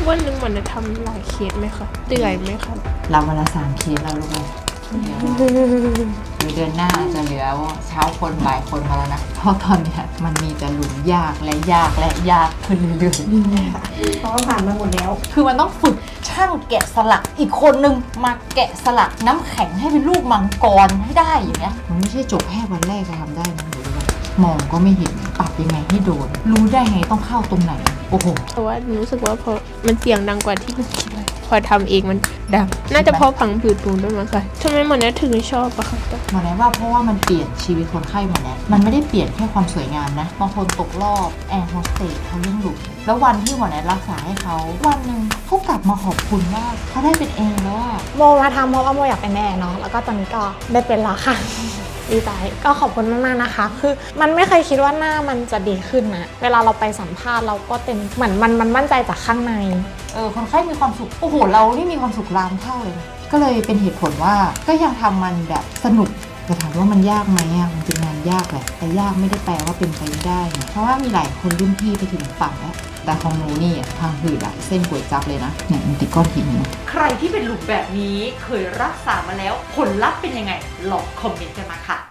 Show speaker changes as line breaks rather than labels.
วันหนึ่งมันจะทำหลายเคสไหมคะเหนื่อยไหมคะ
รับวันละ3 เคสแล้วลูกเดี๋ยวเดือนหน้าจะเหลือเช้าคนบ่ายคนมาแล้วนะเพราะตอนเนี้ยมันมีแต่หลุมยากและยากและยากขึ้นเรื่อยๆ
เพราะว่าผ่านมาหมดแล้ว
คือมันต้องฝึกช่างแกะสลักอีกคนนึงมาแกะสลักน้ำแข็งให้เป็นลูกมังกรให้ได้อย่างเงี้ยมันไม่ใช่จบแค่วันแรกจะทำได้นะหรือว่ามองก็ไม่เห็นปรับยังไงให้โดนรู้ได้ไงต้องเข้าตรงไหนโอ้โห
เพราะว่ารู้สึกว่าพอมันเสียงดังกว่าที่หนูคิดไว้พอทำเองมันดังน่าจะเพราะพังผืดตูนด้วยมั้งคะทำไมหมอแนทถึงชอบอะคะ
หมอแนทว่าเพราะว่ามันเปลี่ยนชีวิตคนไข้หมอแนทมันไม่ได้เปลี่ยนแค่ความสวยงามนะบางคนตกรอบแอร์โฮสเตสเขาเรื่องหลุมแล้ววันที่หมอแนทรักษาให้เขาวันหนึ่งเขากลับมาขอบคุณว่าเขาได้เป็นเองแล้วอะ
โมมาทำเพราะว่าโมอยากเป็นแม่เนาะแล้วก็ตอนนี้ก็ได้เป็นแล้วค่ะดีใจก็ขอบคุณมากๆนะคะคือมันไม่เคยคิดว่าหน้ามันจะดีขึ้นนะเวลาเราไปสัมภาษณ์เราก็เต็มเหมือนมันมั่นใจจากข้างใน
คนไข้มีความสุขโอ้โหเรานี่มีความสุขล้านเท่าเลยนะก็เลยเป็นเหตุผลว่าก็ยังทำมันแบบสนุกแต่ถามว่ามันยากไหมอ่ะมันเป็นงานยากแหละแต่ยากไม่ได้แปลว่าเป็นไปไม่ได้นะเพราะว่ามีหลายคนรุ่นพี่ไปถึงฝั่งแล้วแต่ของหนูนี่ทางหืดอะเส้นก๋วยจั๊บเลยนะเนี่ยมันติดก้อนหินนะ
ใครที่เป็นหลุมแบบนี้เคยรักษามาแล้วผลลัพธ์เป็นยังไงลองคอมเมนต์กันมาค่ะ